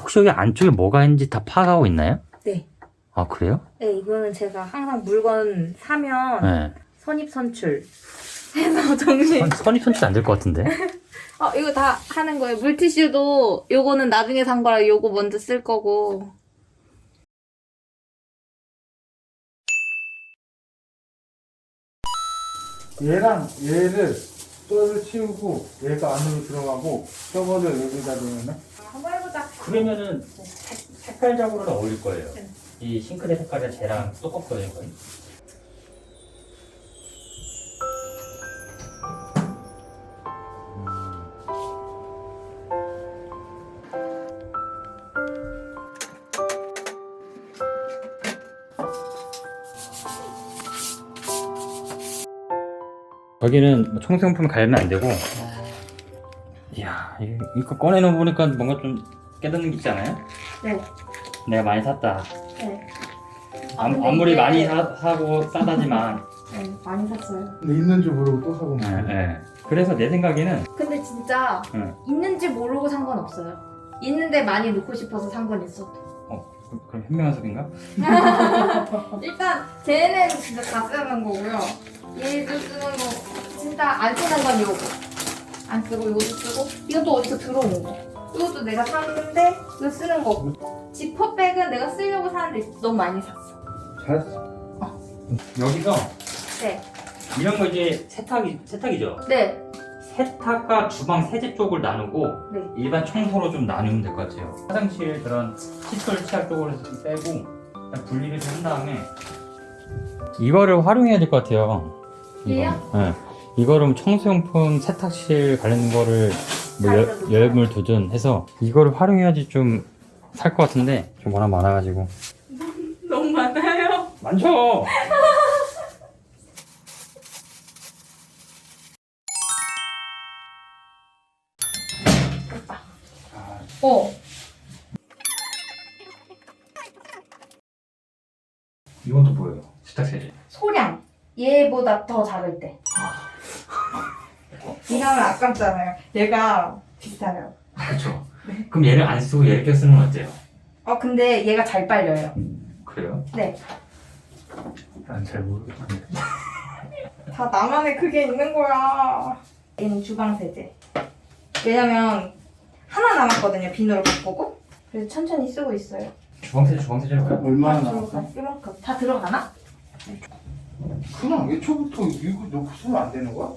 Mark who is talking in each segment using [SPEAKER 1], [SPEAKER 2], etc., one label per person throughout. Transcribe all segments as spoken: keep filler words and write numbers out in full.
[SPEAKER 1] 혹시 여기 안쪽에 뭐가 있는지 다 파악하고 있나요?
[SPEAKER 2] 네.
[SPEAKER 1] 아 그래요?
[SPEAKER 2] 네, 이거는 제가 항상 물건 사면
[SPEAKER 1] 네.
[SPEAKER 2] 선입선출 해서 정리.
[SPEAKER 1] 선, 선입 선출 안 될 것 같은데.
[SPEAKER 2] 어, 이거 다 하는 거예요. 물티슈도 요거는 나중에 산 거라 요거 먼저 쓸 거고.
[SPEAKER 3] 얘랑 얘를 뼈를 치우고 얘가 안으로 들어가고 저거를 여기다 놓으면
[SPEAKER 2] 한번 해보자.
[SPEAKER 1] 그러면은 색, 색깔적으로는 어울릴 거예요.
[SPEAKER 2] 네.
[SPEAKER 1] 이 싱크대 색깔이 쟤랑 똑같거든요. 거의. 여기는 청소용품 갈면 안 되고. 이야, 이거, 이거 꺼내놓어 보니까 뭔가 좀 깨닫는 게 있지 않아요?
[SPEAKER 2] 네.
[SPEAKER 1] 내가 많이 샀다.
[SPEAKER 2] 네.
[SPEAKER 1] 암,
[SPEAKER 2] 근데
[SPEAKER 1] 아무리
[SPEAKER 2] 이게-
[SPEAKER 1] 많이 사, 사고 싸다지만.
[SPEAKER 2] 네, 많이 샀어요.
[SPEAKER 3] 근데 있는 줄 모르고 또 사고
[SPEAKER 1] 네,
[SPEAKER 3] 네.
[SPEAKER 1] 네. 그래서 내 생각에는
[SPEAKER 2] 근데 진짜
[SPEAKER 1] 응.
[SPEAKER 2] 있는지 모르고 산 건 없어요. 있는데 많이 넣고 싶어서 산 건 있어도.
[SPEAKER 1] 어, 그- 그럼 현명한 소리인가?
[SPEAKER 2] 일단 쟤는 진짜 다 쓰는 거고요. 얘도 쓰는 거 진짜 안 쓰는 건 이거. 안 쓰고 이것도 쓰고 이것도 어디서 들어온 거. 이것도 내가 샀는데 이거 쓰는 거고. 지퍼백은 내가 쓰려고 사는데 너무 많이 샀어.
[SPEAKER 3] 잘했어.
[SPEAKER 1] 여기서
[SPEAKER 2] 네.
[SPEAKER 1] 이런 거 이제 세탁이, 세탁이죠?
[SPEAKER 2] 네.
[SPEAKER 1] 세탁과 주방 세제 쪽을 나누고
[SPEAKER 2] 네.
[SPEAKER 1] 일반 청소로 좀 나누면 될 것 같아요. 화장실 그런 칫솔 치약 쪽으로 좀 빼고 그냥 분리를 좀 한 다음에 이거를 활용해야 될 것 같아요.
[SPEAKER 2] 얘요?
[SPEAKER 1] 네. 이거를 청소용품 세탁실 관련 거를 뭐 열, 열물 두든 해서 이거를 활용해야지 좀 살 것 같은데 좀 워낙 많아가지고.
[SPEAKER 2] 너무 많아요.
[SPEAKER 1] 많죠?
[SPEAKER 2] 어.
[SPEAKER 1] 이건 또 뭐예요? 세탁세제.
[SPEAKER 2] 소량. 얘보다 더 작을 때. 이하면 아깝잖아요. 얘가 비싸요.
[SPEAKER 1] 그렇죠. 그럼 얘를 안 쓰고 얘를 껴 쓰는 건 어때요?
[SPEAKER 2] 어 근데 얘가 잘 빨려요.
[SPEAKER 1] 그래요?
[SPEAKER 2] 네.
[SPEAKER 1] 난 잘 모르겠는데.
[SPEAKER 2] 다 나만의 그게 있는 거야. 얘는 주방 세제. 왜냐면 하나 남았거든요. 비누를 바꾸고. 그래서 천천히 쓰고 있어요.
[SPEAKER 1] 주방세제 주방세제로 가요?
[SPEAKER 3] 얼마나
[SPEAKER 2] 다
[SPEAKER 3] 남았어?
[SPEAKER 2] 들어가. 이만큼. 다 들어가나?
[SPEAKER 3] 그냥 애초부터 이거 넣고 쓰면 안 되는 거야?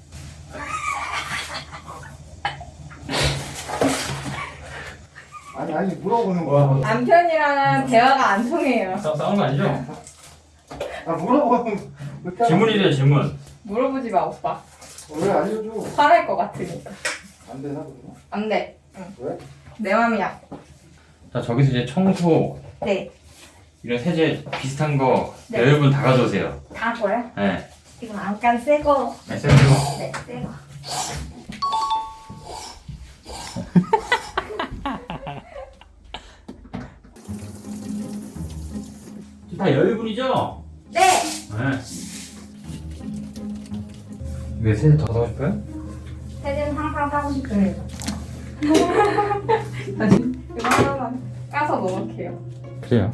[SPEAKER 3] 아니 아니 물어보는 거야.
[SPEAKER 2] 남편이랑은 대화가 안 통해요.
[SPEAKER 1] 싸, 싸우는 거 아니죠?
[SPEAKER 3] 아 물어보는 그렇게 하면
[SPEAKER 1] 질문이래요 질문.
[SPEAKER 2] 물어보지 마 오빠.
[SPEAKER 3] 왜 알려줘?
[SPEAKER 2] 화날 것 같으니까.
[SPEAKER 3] 안 되나 그러면?
[SPEAKER 2] 안 돼.
[SPEAKER 3] 왜?
[SPEAKER 2] 내 맘이야.
[SPEAKER 1] 자 저기서 이제 청소
[SPEAKER 2] 네.
[SPEAKER 1] 이런 세제 비슷한 거
[SPEAKER 2] 네.
[SPEAKER 1] 여러분 다 가져오세요.
[SPEAKER 2] 다 거야?
[SPEAKER 1] 네.
[SPEAKER 2] 이건 안간 새 거.
[SPEAKER 1] 네, 세제.
[SPEAKER 2] 네, 새 거.
[SPEAKER 1] 다 여유분이죠?
[SPEAKER 2] 네.
[SPEAKER 1] 네. 왜 세제 더 사고 싶어요?
[SPEAKER 2] 세제는 항상 사고 싶습니다. 아니, 이거 하나만 까서 넣을게요.
[SPEAKER 1] 그래요.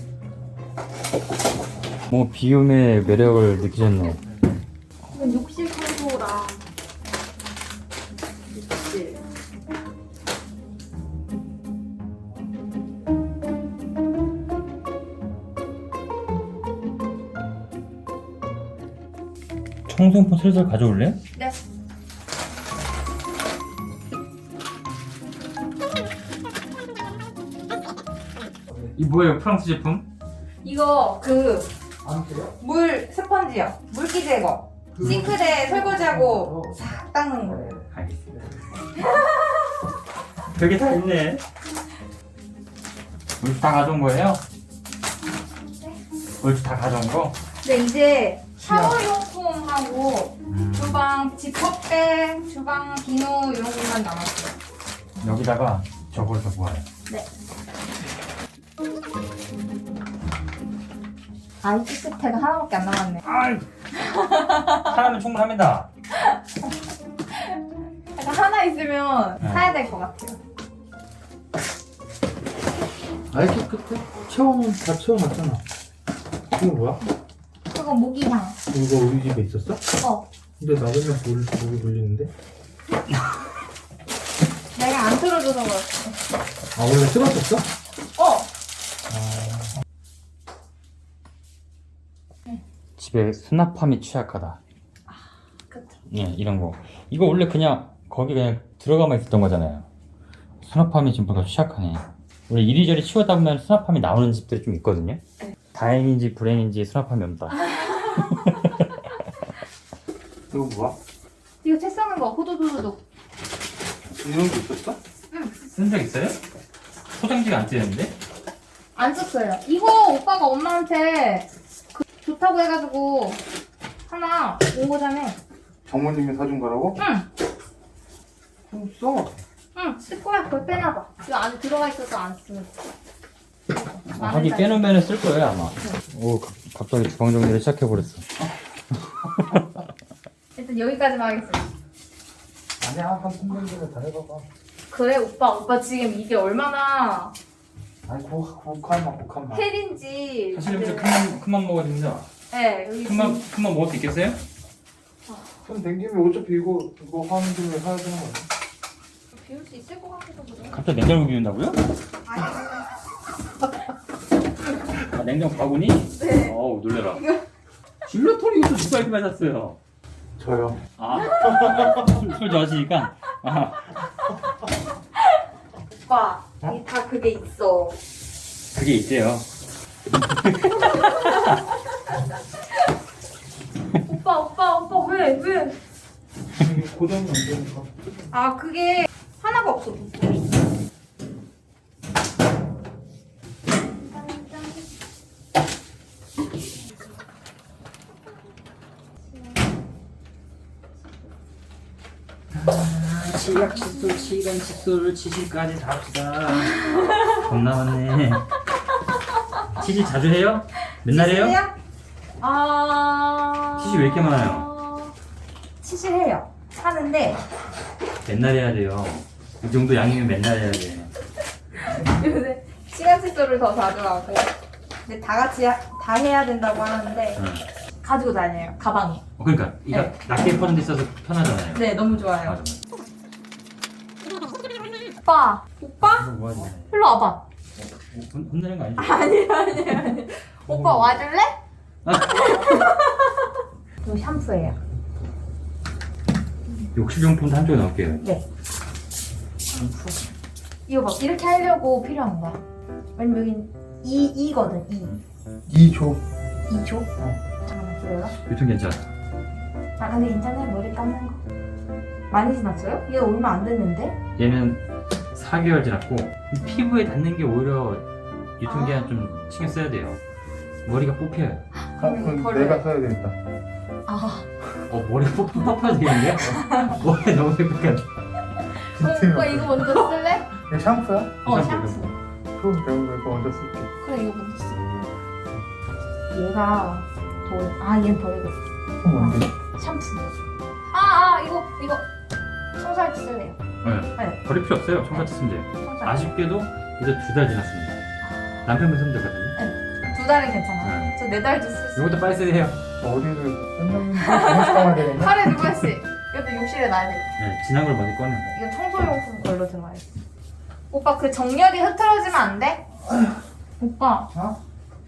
[SPEAKER 1] 뭐 비움의 매력을 느끼셨네.
[SPEAKER 2] 이건 욕실 청소라. 욕실.
[SPEAKER 1] 청소용품 슬슬 가져올래?
[SPEAKER 2] 네.
[SPEAKER 1] 이 뭐예요? 프랑스 제품?
[SPEAKER 2] 이거 그
[SPEAKER 3] 안 돼요?
[SPEAKER 2] 물 스펀지요. 물기 제거. 싱크대 설거지하고 싹 닦는 거예요.
[SPEAKER 1] 알겠습니다. 그게 다 있네. 물다 가져온 거예요?
[SPEAKER 2] 네.
[SPEAKER 1] 물다 가져온 거?
[SPEAKER 2] 근데 이제 샤워용품하고 주방 지퍼백, 주방 비누 이런 것만 남았어요.
[SPEAKER 1] 여기다가 저걸 더 모아요.
[SPEAKER 2] 네. 아이스 스택은 하나밖에 안 남았네.
[SPEAKER 1] 아이, 하나면 충분합니다.
[SPEAKER 2] 약간 하나 있으면
[SPEAKER 1] 네.
[SPEAKER 2] 사야 될 것 같아요.
[SPEAKER 3] 알기 끝에 채워놓은 다 채워놨잖아. 이거 뭐야?
[SPEAKER 2] 그거 모기향.
[SPEAKER 3] 이거 우리 집에 있었어?
[SPEAKER 2] 어.
[SPEAKER 3] 근데 나 맨날 물 목이 돌리는데?
[SPEAKER 2] 내가 안 틀어줘서 그렇지.
[SPEAKER 3] 아 원래 틀었었어?
[SPEAKER 2] 어.
[SPEAKER 1] 집에 수납함이 취약하다.
[SPEAKER 2] 그쵸.
[SPEAKER 1] 예, 이런 거. 이거 원래 그냥 거기 그냥 들어가만 있었던 거잖아요. 수납함이 지금 뭔가 취약하네. 원래 이리저리 치우다 보면 수납함이 나오는 집들이 좀 있거든요.
[SPEAKER 2] 네.
[SPEAKER 1] 다행인지 불행인지 수납함이 없다.
[SPEAKER 3] 이거 뭐야?
[SPEAKER 2] 이거 책 쓰는 거 호두두두두.
[SPEAKER 3] 이런 거 있었어?
[SPEAKER 1] 쓴 적 있어요? 소장지가 안 떼는데?
[SPEAKER 2] 안 썼어요. 이거 오빠가 엄마한테 그 좋다고 해가지고 하나 온 거잖아.
[SPEAKER 3] 장모님이 사준 거라고?
[SPEAKER 2] 응.
[SPEAKER 3] 좀 써.
[SPEAKER 2] 응. 쓸 거야. 그걸 빼놔봐. 이거 안에 들어가 있어서 안 쓰는 거.
[SPEAKER 1] 아, 하긴 빼놓으면 쓸 거예요 아마. 오 가- 갑자기 주방 정리를 시작해 버렸어.
[SPEAKER 2] 일단 여기까지만 하겠습니다.
[SPEAKER 3] 아니야 한 삼 년 전에 다 해봐봐.
[SPEAKER 2] 그래 오빠. 오빠 지금 이게 얼마나
[SPEAKER 3] 아니 고, 고칸만 고칸만.
[SPEAKER 2] 헬인지.
[SPEAKER 1] 사실 여기서 큰맘 큰맘 먹어야 됩니다.
[SPEAKER 2] 네. 여기
[SPEAKER 1] 큰맘 큰맘 먹을 수 있겠어요?
[SPEAKER 3] 손 댕기면 어차피 이거 이거 하는 김에 사야 되는 거 아니야?
[SPEAKER 2] 비울 수 있을 것 같아서 그래.
[SPEAKER 1] 갑자기 냉장고 비운다고요?
[SPEAKER 2] 아니.
[SPEAKER 1] 아, 냉장 바구니?
[SPEAKER 2] 네.
[SPEAKER 1] 어우 놀래라. 줄라토리 이것도 누가 이렇게 많이 샀어요?
[SPEAKER 3] 저요.
[SPEAKER 1] 아, 술, 술 좋아하시니까. 아,
[SPEAKER 2] 오빠. 여기 다 그게 있어.
[SPEAKER 1] 그게 있대요.
[SPEAKER 2] 오빠 오빠 오빠 왜 왜?
[SPEAKER 3] 이게 고정이 안 되니까.
[SPEAKER 2] 아 그게 하나가 없어 부품이.
[SPEAKER 1] 치약 칫솔, 치간 칫솔, 치실까지 다 합시다. 겁나 많네. 치실 자주 해요? 맨날 해요?
[SPEAKER 2] 치실해요? 아.
[SPEAKER 1] 치실 왜 이렇게 많아요?
[SPEAKER 2] 치실해요. 하는데
[SPEAKER 1] 맨날 해야 돼요. 이 정도 양이면 맨날 해야 돼.
[SPEAKER 2] 요새 시간 칫솔을 더 자주 하고. 근데 다 같이 하- 다 해야 된다고 하는데
[SPEAKER 1] 응.
[SPEAKER 2] 가지고 다녀요. 가방에.
[SPEAKER 1] 어, 그러니까 이거
[SPEAKER 2] 네.
[SPEAKER 1] 낮게 퍼는 데 있어서 편하잖아요.
[SPEAKER 2] 네 너무 좋아요.
[SPEAKER 1] 맞아, 맞아.
[SPEAKER 2] 오빠 오빠
[SPEAKER 1] 이거 뭐 하지?
[SPEAKER 2] 일로 와봐.
[SPEAKER 1] 어, 혼- 혼내는 거 아니죠?
[SPEAKER 2] 아니 아니 아니. 오빠 와줄래?
[SPEAKER 1] 아.
[SPEAKER 2] 이거 샴푸예요.
[SPEAKER 1] 욕실용품도 한쪽에 넣을게요.
[SPEAKER 2] 네. 이거 봐 이렇게 하려고 필요한 거야. 왜냐면 여긴 이 이거든 이.
[SPEAKER 3] 이 조.
[SPEAKER 2] 이 조? 잠깐만 기다려.
[SPEAKER 1] 유통 괜찮아.
[SPEAKER 2] 아 근데 괜찮아요 머리 감는 거. 많이 지났어요? 얘 얼마 안 됐는데?
[SPEAKER 1] 얘는 사 개월 지났고 피부에 닿는 게 오히려 유통기한 좀 신경 써야 돼요. 머리가 뽑혀요.
[SPEAKER 3] 아,
[SPEAKER 2] 그럼
[SPEAKER 3] 그럼
[SPEAKER 2] 버려요.
[SPEAKER 3] 내가 사야 되겠다.
[SPEAKER 2] 아.
[SPEAKER 1] 어 머리 뽑, 뽑혀야 되겠는데요? 머리 너무 빽빽한.
[SPEAKER 2] 어, 오빠 이거 먼저 쓸래?
[SPEAKER 3] 이거 샴푸야?
[SPEAKER 2] 어
[SPEAKER 1] 샴푸,
[SPEAKER 2] 샴푸.
[SPEAKER 3] 그럼 내가 이거 먼저 쓸게.
[SPEAKER 2] 그래 이거 먼저 쓸. 얘가 더. 아 얘는 버리겠어.
[SPEAKER 3] 그럼 뭔데?
[SPEAKER 2] 샴푸. 아아 이거 이거 청소할 때 쓸래요.
[SPEAKER 1] 네.
[SPEAKER 2] 네.
[SPEAKER 1] 버릴 필요 없어요. 청소기 쓰면 돼요.
[SPEAKER 2] 청소할 때.
[SPEAKER 1] 아쉽게도 이제 두 달 지났습니다. 남편분 쓰면 되거든요.
[SPEAKER 2] 두 달은 괜찮아요.
[SPEAKER 1] 네.
[SPEAKER 2] 저 네 달도 쓸 수.
[SPEAKER 1] 이것도 빨리 쓰세요.
[SPEAKER 3] 어디를 맨날 한번씩 가야 되겠네.
[SPEAKER 2] 하루에 두 번씩. 이것도 욕실에 놔야 돼.
[SPEAKER 1] 네, 지난 걸 먼저 꺼내.
[SPEAKER 2] 이건 청소용품 걸로 들어가야 돼. 오빠 그 정렬이 흐트러지면 안 돼? 오빠
[SPEAKER 3] 어?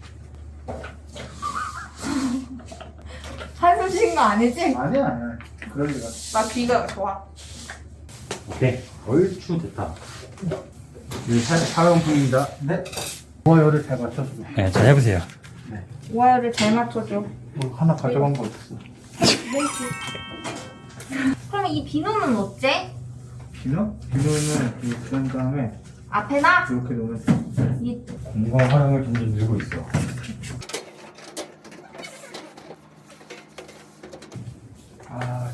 [SPEAKER 2] 한숨 쉰 거 아니지?
[SPEAKER 3] 아니야 아니야. 그럴 리가.
[SPEAKER 2] 나 귀가 좋아.
[SPEAKER 1] 오케이. 얼추 됐다. 이 사- 사용품입니다.
[SPEAKER 3] 네. 좋아요를 잘 맞춰줘.
[SPEAKER 1] 네, 잘 해보세요.
[SPEAKER 2] 와이어를 잘 맞춰줘.
[SPEAKER 3] 뭐 하나 가져간 거 없어.
[SPEAKER 2] 그러면 이 비누는 어째?
[SPEAKER 3] 비누? 비누는 이렇게 한 다음에
[SPEAKER 2] 앞에 나?
[SPEAKER 3] 이렇게 놓으면 돼.
[SPEAKER 2] 이
[SPEAKER 1] 공간 활용을 점점 늘고 있어.
[SPEAKER 3] 아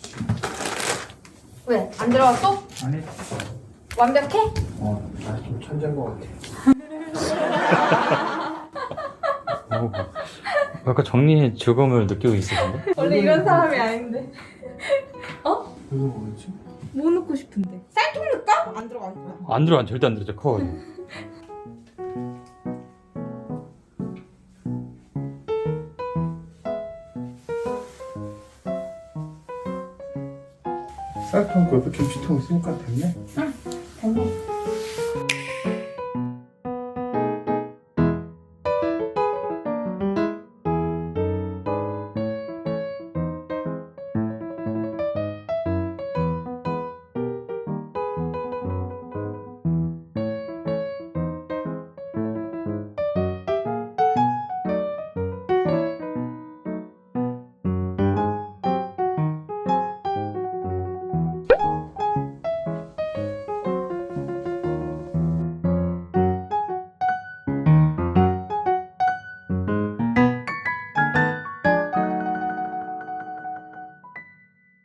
[SPEAKER 2] 왜? 안 들어갔어?
[SPEAKER 3] 아니.
[SPEAKER 2] 완벽해?
[SPEAKER 3] 어, 나좀 천재인 것 같아.
[SPEAKER 1] 어, 아까 정리의 즐거움을 느끼고 있으신데?
[SPEAKER 2] 원래 이런 사람이 아닌데. 어?
[SPEAKER 3] 이거 뭐였지?
[SPEAKER 2] 뭐 넣고 싶은데? 쌀통 넣을까? 안 들어가 있어.
[SPEAKER 1] 안 들어가, 절대 안 들어져, 커.
[SPEAKER 3] 쌀통 그 옆에 김치통 있으니까 됐네.
[SPEAKER 2] 됐네.